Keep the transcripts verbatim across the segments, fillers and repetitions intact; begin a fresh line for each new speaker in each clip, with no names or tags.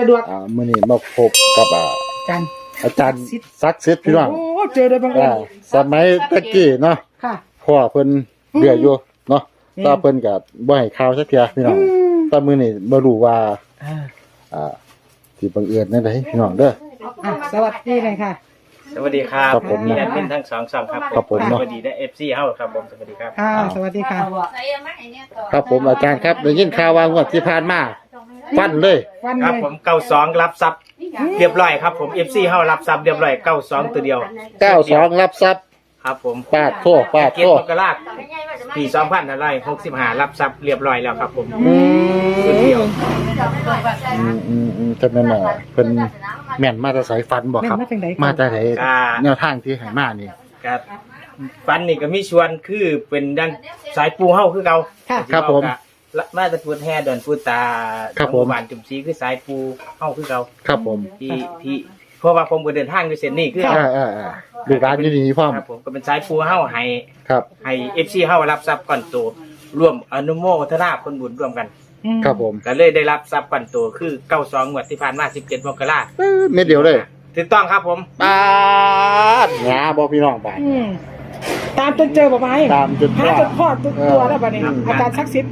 สะดวก
อ่ามื้อนี้มาพบกับอ่า
จัน
อาจารย์ศักดิ์สิทธิ์พี่น้อง
โอ้เจอโดยบังเอิ
อ่า
ญ
สมัยตะกี้เนาะ
ค่ะ
พ่อเพิ่นเดืออยู่เนาะ
อืม
ตาเพิ่นก็บ่ให้ข่าวสักเทื่อพี่น้อง
อืม
แต่มื้อนี้บ่รู้ว่า
อ่า
อ่าสิบังเอิญจังได๋พี่น้องเด้อ
อ่ะสวัสดีเลยค่ะ
สวัสดีครับ
ครับผม
มีแอดมินทั้งสองช่องครับ
ครับผม
สวัสดีได้เอฟซีเฮาครับผมสวัสดีครับ
อ่าสวัสดีค่ะ
ครับผมอาจารย์ครับได้ยินข่าวว่างวดที่ผ่านมาฟันเลย
วัน
ครับ
เลย
ผมเก้าสองรับทรัพย์เรียบร้อยครับผมเอฟซีเฮารับทรัพย์เรียบร้อยเก้าสองตัวเดียว
เก้าสองรับทรัพย์
ครับผม
ปาดโทษปาด
เกีย
โท
ร
ษ
ติมกราชปีสองพันห้าร้อยหกสิบห้ารับทรัพย์เรียบร้อยแล้วครับผม
อื
ตัวเดียว
มอืมอืมจังนั้นน่ะเพิ่นแม่นมาแต่สายฟันบ่ครับ
แม่นมาจากไหน
มา
คะ
แต่ไหนแนวทางที่ให้มานี่
ครับฟันนี่ก็มีชวนคือเป็นดันสายปูเฮาคือเก่า
ค่ะ
ครับผม
ละมาแตะพูดแห่ดอนพูดตา
ครับผม
หมู่บ้านจุ่มซีคือสายปูเฮาคือเก่า
ครับผม
ที่ที่เพราะว่าผมก็เดินทางด้วยเส้นนี้คือ
อ่าอ่าอ่าดูร้านอยู่นี่พร้อม
ครับผมก็เป็นสายปูเฮาให้
ครับ
ให้เอฟซีเฮารับทรัพย์ก่อนโตร่วมอนุโมทนาผลบุญร่วมกัน
อืม
ครับผม
ก็เลยได้รับทรัพย์ก่อนโตคือเก้าสองงวดที่ผ่านมาสิบเจ็ดมกราคม
เอ้อเม็ดเดียวเลย
ถูกต้องครับผม
ปาดงาบ่พี่น้องบาด
อืมตามจนเจอบ่ไหม
ตามจน
หาจนพ่อตัวตัวแล้วบัดนี้
อืม
อาจารย์ศักดิ์สิทธิ์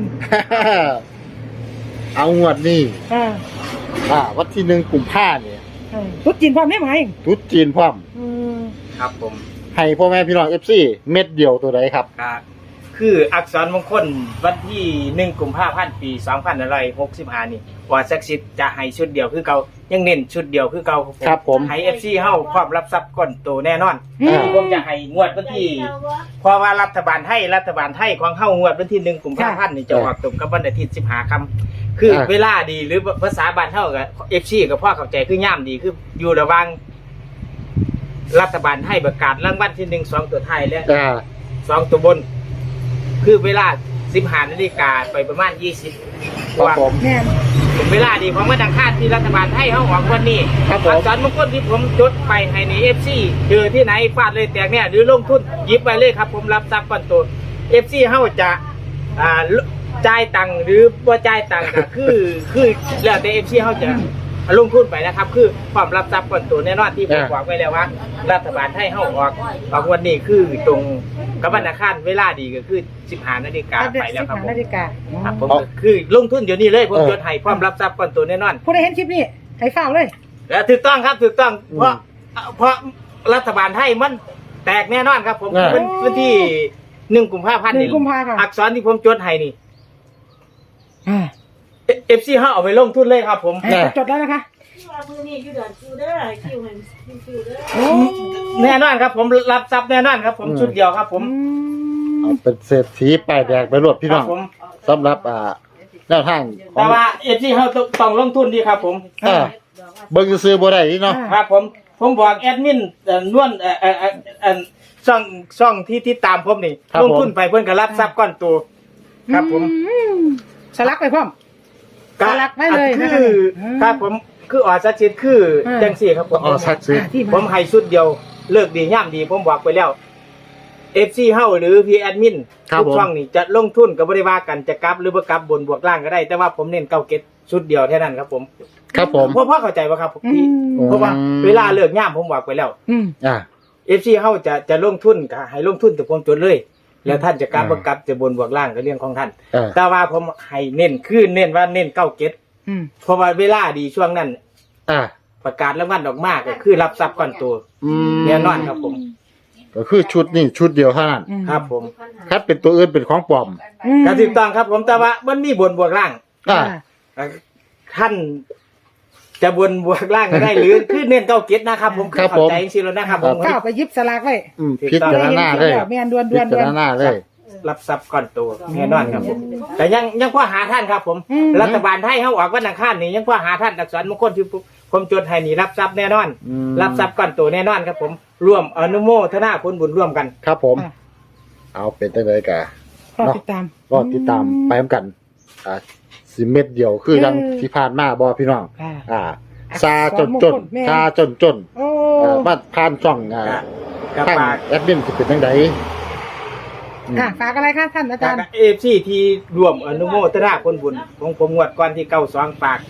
เอางวดนี้
อ่า
อ่าวันที่หนึ่งกุมภาเนี่ย
อ่าตุ๊ดจีนพร้อมได้ไหม
ทุดจีนพร้อม
อืม
ครับผม
ให้พ่อแม่พี่น้องเอฟซีเม็ดเดียวตัวใดครับ
ก็คืออักษรมงคลวันที่หนึ่งกุมภาพันธ์ปีสองพันหกสิบห้านี่ว่าศักดิ์สิทธิ์จะให้ชุดเดียวคือเก่ายังเน้นชุดเดียวคือเก่า
ครับผม
ให้เอฟซีเฮาพร้อมรับทรัพย์ก่อนโตแน่นอน
อ่า
ผมจะให้งวดวันที่เพราะว่ารัฐบาลไทยรัฐบาลไทยของเฮางวดวันที่หนึ่งกุมภาพันธ์นี่จะออกตรงกับวันอาทิตย์สิบห้าค่ำคือเวลาดีหรือภาษาบ้านเฮากับเอฟซีกับพ่อเข้าใจคือย่ามดีคืออยู่ระหว่างรัฐบาลไทยประกาศรางวัลที่หนึ่งสองตัวไทายและ
อ่า
สองตัวบน คือเวลาสิบห้านาฬิกาไปประมาณยี่สิบ
ครับผม
แม่น
เวลาดีของวันอังคารที่รัฐบาลไทยเขาออกวันนี้
ครับผม
อักษรมงคลที่ผมจดไปให้ในเอฟซีเจอที่ไหนฟาดเลยแตกเนี่ยหรือลงทุนหยิบไปเลยครับ ผมรับทรัพย์ก่อนตัวเอฟซีเขาจะอ่าจ่ายตังค์หรือว่าจ่ายตังค์ก็คือคือแล้วแต่เอฟซีเขาจะลงทุนไปนะครับ คือความรับทรัพย์ก่อนตัวแน่นอนที่ผมบอกไว้แล้วว่า รัฐบาลไทยเขาออกออกวันนี้คือตรงกับวันอังคารเวลาดีก็คือสิบห้านาฬิกาไปแล้วครับผม
นาฬิกา
ครับผมคือลงทุนเดี๋ยวนี้เลยผมจดให้พร้อมรับทรัพย์ก่อนตัวแน่นอน
ผู้ใดเห็นคลิปนี้ให้ฝ้าวเลย
และถูกต้องครับถูกต้องเพราะเพราะรัฐบาลไทยมันแตกแน่นอนครับผม
อ่า
เป็นวันที่หนึ่งกุมภาพันธ์
หนึ่
นี่
งกุมภาพันธ์
อักษรที่ผมจดให้นี่
อ่า
เอฟซีห้าเอาไปลงทุนเลยครับผม
ให้จดแล้วนะคะ
มือนี่อยู่เดือนคิวเด้อคิวเห็นคิวเด้อ
โอ้
แน่นอนครับผมรับทรัพย์แน่นอนครับ ผม
อืม
ชุดเดียวครับ ผม
อืม
เอาเป็นเศรษฐีป้ายแดงไปรวดพี่
ค
น้
รั
อบ ง
ผม
สำหรับอ่าแนวทางขอ
แต่
ง
ว่าเอฟซีห้าต้องลงทุนดีครับ ผม
อ่าเบิ่งซื้อๆบ่ได้นี่เนาะ
ครับผมผมบอกแอดมินเอ่อนวลเอ่อเอ่อเอ่อเอ่อช่องช่องที่ที่ตามผมนี่ลงทุนไปเพื่อนก็รับทรัพย์ก้อนตัวครับผม
อืมสลักไปพร้อม
ก็
สลักไว้เลย
คือ
นะครับอืม
ครับผมคือออสักชิดคืออา จังสี่ครับผม
อ๋อสักดิ์สิทธิ์
อ่าที่
ผม
มา
ให้ชุดเดียวเลิกดีย่ำดีผมบอกไปแล้วเอฟซีเฮาหรือพีแอดมิน
ครับ
ทุก
ผม
ช่องนี่จะลงทุนกับบริวากันจะกลับหรือบ่กลับบนบวกล่างก็ได้ แต่ว่าผมเน้นเก้าเก็ตชุดเดียวแค่นั้นครับผม
ครับผม
พ่อพ่อเข้าใจป่ะครับ
อื
พี่
ม
เพราะว่าเวลาเลิกย่ำผมบอกไปแล้ว
อืม
อ่า
เอฟซีเฮาจะจะลงทุนก็ให้ลงทุนแต่ผมจดเลย แล้วท่านจะกลับ
อ่า
บ่กลับจะบนบวกล่างก็เรื่องของท่าน
อ่า
แต่ว่าผมให้เน้นคือเน้นว่าเน้นเก้าเก็ต
อืม
เพราะว่าเวลาดีช่วงนั้น
อ่า
ประกาศรางวัลออกมาก็คือรับทรัพย์ก่อนตัว
อืม
แน่นอนครับผม
ก็คือชุดนี่ชุดเดียวเท่านั้น
อืม
ครับผม
ถ้าเป็นตัวอื่นเป็นของปลอม
อืม
ก็ถูกต้องครับผมแต่ว่ามันมีบนบวกล่าง
อ่า
เอ่อท่านจะบนบวกล่างก็ได้ หรือคือเน้นเก้าเก็ตนะครับผม
ครับ
เข้าใจ
ผม
จริงๆแล้วนะครับผม
ก้าวไปยิบสลากไว้
อืมพิจารณาเลย
แม่นดวนด
พิ
วนด
จาว ร
น
ณาเลย
รับทรัพย์ก่อนตัวแน่นอนครับผมแต่ยังยังพอหาท่านครับผม
อืม
รัฐบาลไทยเขาออกวันอังคารนี่ยังพอหาท่านอักษรมงคลที่ผมจดให้นี่รับทรัพย์แน่นอน
อืม
รับทรัพย์ก่อนตัวแน่นอนครับผมร่วมอนุโมทนาผลบุญร่วมกัน
ครับผม
อ่ะ
เอาเป็นตั้งแต่กะ
รอติดตาม
ก็ติดตามไปพร้อมกัน อ่าสิเม็ดเดียวคือยัง
เออ
ที่ผ่านมาบ่พี่น้อง
อ่า
อ่าซาจนจน
แม่
ซาจนจน
โอ้
เอ่อมาผ่านช่องอ่า
กับ
ทาง
ปาก
แอดมินสิเป็นจังไดอืม
ค่ะฝากอะไรคะท่านอา
จา
จาก รย์
เอฟซีที่รวมอนุโมทนาผลบุญของผมงวดก่อนที่เก้าสองปาก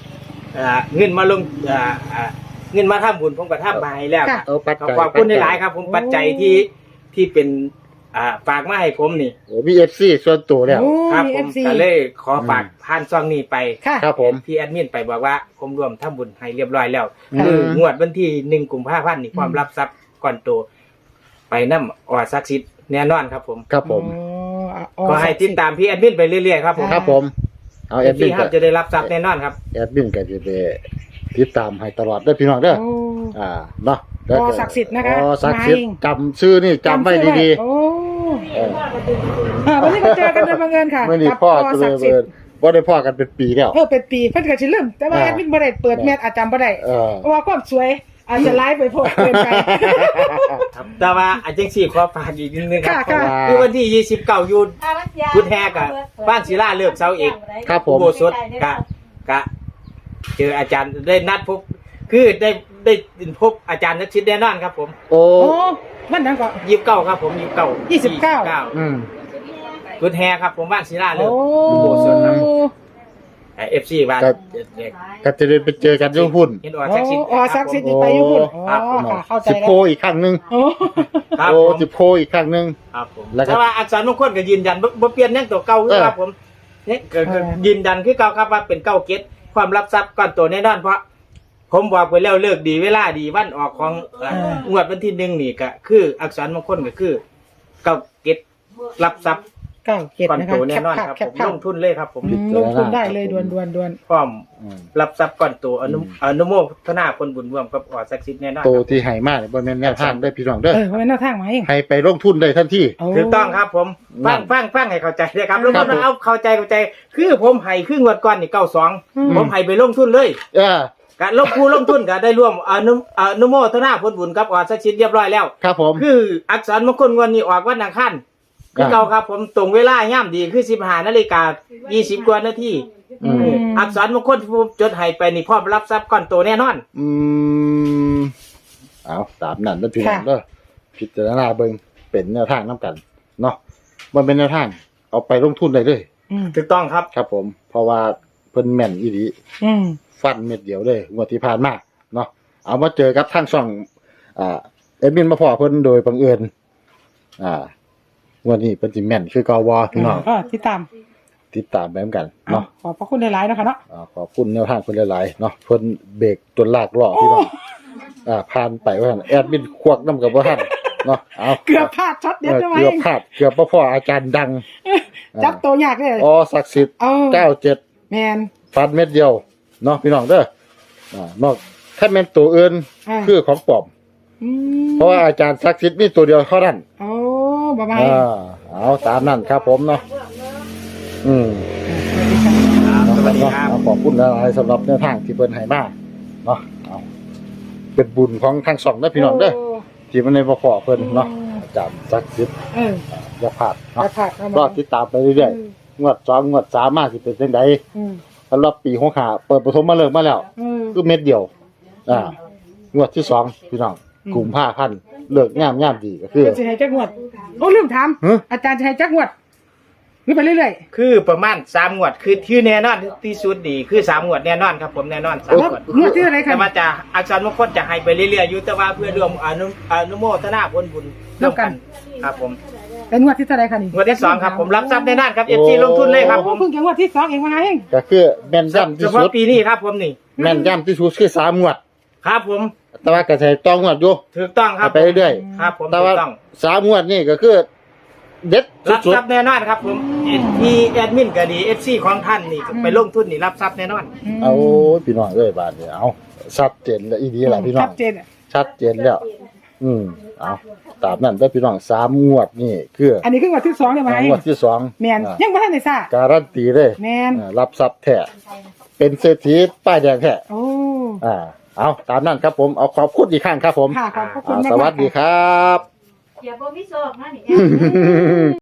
อ่าเงินมาลงอ่าอ่าเงินมาทำบุญผมก็ทำมาให้แล้วครับ
เอาปัจจัย
ขอบคุณหลายๆครับ ผมปัจจัยที่ที่เป็นอ่าฝากมาให้ผมนี่
โอ้มี เอฟ ซี ส่วนตัวแล้ว
โอ้
ครับ
มี
ผ
เอ
ม
ฟซี
ก็เลยขอฝากผ่านซองนี้ไป
ค่ะ
ครับผม
พี่แอดมินไปบอกว่าผมรวมทำบุญให้เรียบร้อยแล้ว
อืม
คืองวดวันที่หนึ่งกุมภาพันธ์นี่ความรับทรัพย์ก่อนโตไปน้ำออซักซิดแน่นอนครับผม
ครับผม
อ๋อ
ก็ให้ติดตามพี่แอดมินไปเรื่อยๆครับผม
ครับผม เอาแอดมิน
พี่ค
ก็
รับจะได้รับทรัพย์แน่นอนครับ
แอดมินก็จะไปติดตามให้ตลอดเด้อพี่น้องเด้อ
โอ้
อ่าเนาะ
อ๋อศักดิ์สิทธิ์นะคะ
อ๋อศักดิ์สิทธิ์
มาเอง
จำชื่อนี่จำไว้ดี
โอ้
ๆเออ
อ่าวันนี้ก็เจอกันโดยบังเอิญค่ะ
เมื่อนี้
กับ
พ่อ
ป
ก็เล
ศั
ย
กดิ์สิท
เบิ
ธิ์
ดบ่ได้พ่อกันเป็นปีแล้ว
เออเป็นปีเพิ่นก็สิลืมแต่ว่า
อ่า
แอดมินบ่ได้เปิดแมทอาจารย์บ่ได้
เออ
เพราะว่าความสวยอาจจะไลฟ์ไปโพสต์เกินไป
ครับแต่ว่าอาจารย์สี่ขอฝากอีกนิดนึงครับ
ค่ะ
คือวันที่ยี่สิบเก้ายูนพุทธแฮกอะบ้านศิลาเลิกเสาเอก
ครับผม
อุโบสถกะกะเจออาจารย์ได้นัดพบ คือได้ได้พบอาจารย์นักชิดแน่นอนครับผม
โอ้
โอ้มันนั้นก็
ยี่สิบเก้าครับผมยี่สิบเก้า
ยี่สิบเก้า
อืม
พุทธแฮครับผมบ้านศิลาเลิ
โอ้
กอุโบสถครับเอฟซีบ้าน
ก็ ก็จะได้ไปเจอกันที่พุ่น
เห็นออซักซิด
อ๋อศักดิ์สิทธิ์นี่ไปอยู่พุ่นอ๋อ
ครับผม
ค่ะเข้าใจ
สิบ
แล้
โคว อีกครั้งหนึง
โอ้
ครับ
โอ้
ผม
สิบโคอีกครั้งหนึง
ครับผม
แล้วก็
แต่ว่าอักษรมงคลก็ยืนยันบ่บ่เปลี่ยนยังตัวเก่าคือครับผมเนี่ยก็ก็ยืนยันคือเก่าครับว่าเป็นเก้าเกตความรับทรัพย์ก้อนโตแน่นอนเพราะ ผมบอกไปแล้วเลิกดีเวลาดีวันออกของเอ่องวดวันที่หนึ่งนี่ก็คืออักษรมงคลก็คือเก้าเกตรับทรัพย์
เก้าเจ็ด
ก้อน
นะ
โต
คะ
แน่นอนครับ
แค
ผ
ป
ม
ภา
ล
พ
งทุนเลยครับผม
อืมลงทุนได้เลยด่วนด่วนด่วน
พร้อม
อืม
รับทรัพย์ก้อนโตอนุอนุโมทนาคนบุญร่วมกับออศักดิ์สิทธิ์แน่นอน
โต
ครับ
ที่ให้มาเนี่ยบ่แม่นแนวทางได้อพี่น้องเด้อ
เออเพราะเป็นหน้าทางมาเอง
ให้ไปลงทุนได้ทันที
โอ้
ถูกต้องครับผมฟังฟังฟังให้เข้าใจเลยครับลง
ครั
ทุ
บ
นเอาเข้าใจเข้าใจ คือผมให้ครึ่งงวดก่อนนี่เก้าสอง
อืม
ผมให้ไปลงทุนเลย
เออ
กะลงผู้ลงทุนก็ได้ร่วมอนุอนุโมทนาผลบุญกับออศักดิ์สิทธิ์เรียบร้อยแล้ว
ครับผม
คืออักษรมงคลวันนี้ออกวันอังคารคือเก่าครับผมตรงเวลาย่ำดีคือสิบห้านาฬิกายี่สิบกว่านาที
อืม
อักษรมงคลที่ผมจดให้ไปนี่พร้อมรับทรัพย์ก้อนโตแน่นอน
อืมเอาตามนั้นแล้วพี่น้องเด้อพิจารณาเบิ่งเป็นแนวทางนํกันเนาะมันเป็นแนวทาง เอาไปลงทุนได้เลย
อืม
ถูกต้องครับ
ครับผม เพราะว่าเพิ่นแม่นอีหลี
อืม
ฟันเม็ดเดียวเลยงวดที่ผ่านมาเนาะเอามาเจอกับทางช่อง อ่าเอ็ดมินมาพอเพิ่นโดยบังเอิญอ่างวดนี้เพิ่นสิแม่นคือกวพี่น้อง
ก็ติดตาม
ติดตามไปเหมือนกันเนาะ
ขอบพระคุณหลายๆนะคะเนาะ
อ่าขอบคุณแนวทางเพิ่นหลายๆเนาะเพิ่นเบรกจนลากล้อพี่น้องอ่าผ่านไปว่าซั่นแอดมินควักน้ำกับบ่ทันเนาะเอา
เกือบพลาดช็อตเด็ด
เออ
ได้ไหม
เกือบพลาดเกือบบ่พออาจารย์ดัง
จับตัวยากเลย
อ๋อศักดิ์สิทธิ์
เอา
เก้าเจ็ด
แมน
ฟันเม็ดเดียวเนาะพี่น้องเด้ออ่านอกถ้าแม่นตัวอื่น
อ่า
คือของปลอม
อืม
เพราะว่าอาจารย์ศักดิ์สิทธิ์มีตัวเดียวเท่านั้น
โอ้บายบาย
อ่าเอาตามนั้นครับผมเนาะอืม
สวัสดีครับ
เอาขอบคุณหลายๆสำหรับแนวทางที่เพิ่นให้มาเนาะเอาเป็นบุญของทางสองนะพี่น้องเด้อที่มันในบ่พอเพิ่นเนาะอาจารย์ศักดิ์สิทธิ์
เออ
อย่าพลาด
อย่า
เนาะ
พลาดเอามาร
อติดตามไปเรื่อยๆงวดสองงวดสามมาสิเป็นจังได
อืม
สำหรับปีหกห้าเปิดปฐมมาเลิกมาแล้ว
เออ
คือเม็ดเดียว อ่า งวดที่สองพี่น้อง
อืม
กลุ่มผ้าพันเลิกงามงามดีก็คือ
เป็นสิให้จักงวดโอ้ลืมถาม
ฮะ
อาจารย์จะให้จักงวดหรือไปเรื่อย
คือประมาณสามงวดคือที่แน่นอนที่สุดดีคือสามงวดแน่นอนครับผมแน่นอนสาม
ๆแล้ว
งวด
งวดที่อะไรคะ
แต่ว่าจะอักษรมงคลจะให้ไปเรื่อยๆอยู่แต่ว่าเพื่อรวมอนุอนุโมทนาผลบุญครับผม
เป็นงวดที่เท่าไหรคะนี่
งวดที่สองครับผมรับทรัพย์แน่นอนครับเอฟซีลงทุนเลยครับผ
โอ้
ม
เพิ่งจะงวดที่สองเองมาเอง
ก็คือแม่นย่ำ
เฉ
ที่
พาะ
สุด
ปีนี้ครับผมนี่
แม่นย่ำที่สุดคือสามงวด
ครับผม
แต่ว่าก็ใช้ต้องงวดอยู่
ถูกต้องครับ
ไปเรื่อย
ครับผม
ๆแต่
ถู
ว่าก
ต้อง
สามงวดนี่ก็คือ เด็ด
รับ
สุด
ทรัพย์แน่นอนครับผมมีแอดมินก็ดีเอฟซีของท่านนี่ไปลงทุนนี่รับทรัพย์แน่นอน
ๆเอาพี่น้องเอ้ยบาดนี้เอาชัดเจนแล้วอีดีล่ะพี่น้อ
ชั
ง
ดเจนอะ
ชัดเจนแล้ว อืมเอาตามนั้นเด้อพี่น้องสามงวดนี่คือ
อันนี้คืองวดที่สองเนี่ยมาเอง
งวดที่สอง
แมน
อ่า
ยังไม่ทันได้ทราบ
การันตีเลย
แมน
อ่ารับทรัพย์แท้เป็นเศรษฐีป้ายแดงแท้
โอ้
อ่า เอาตามนั้นครับผม เอาขอบคุณอีกครั้งครับผม
ค่ะขอบพระคุณ
อ่า
มากๆ
สวัสดี
ค่ะ
ครับ
อย่าบ่มีโศกนะนี่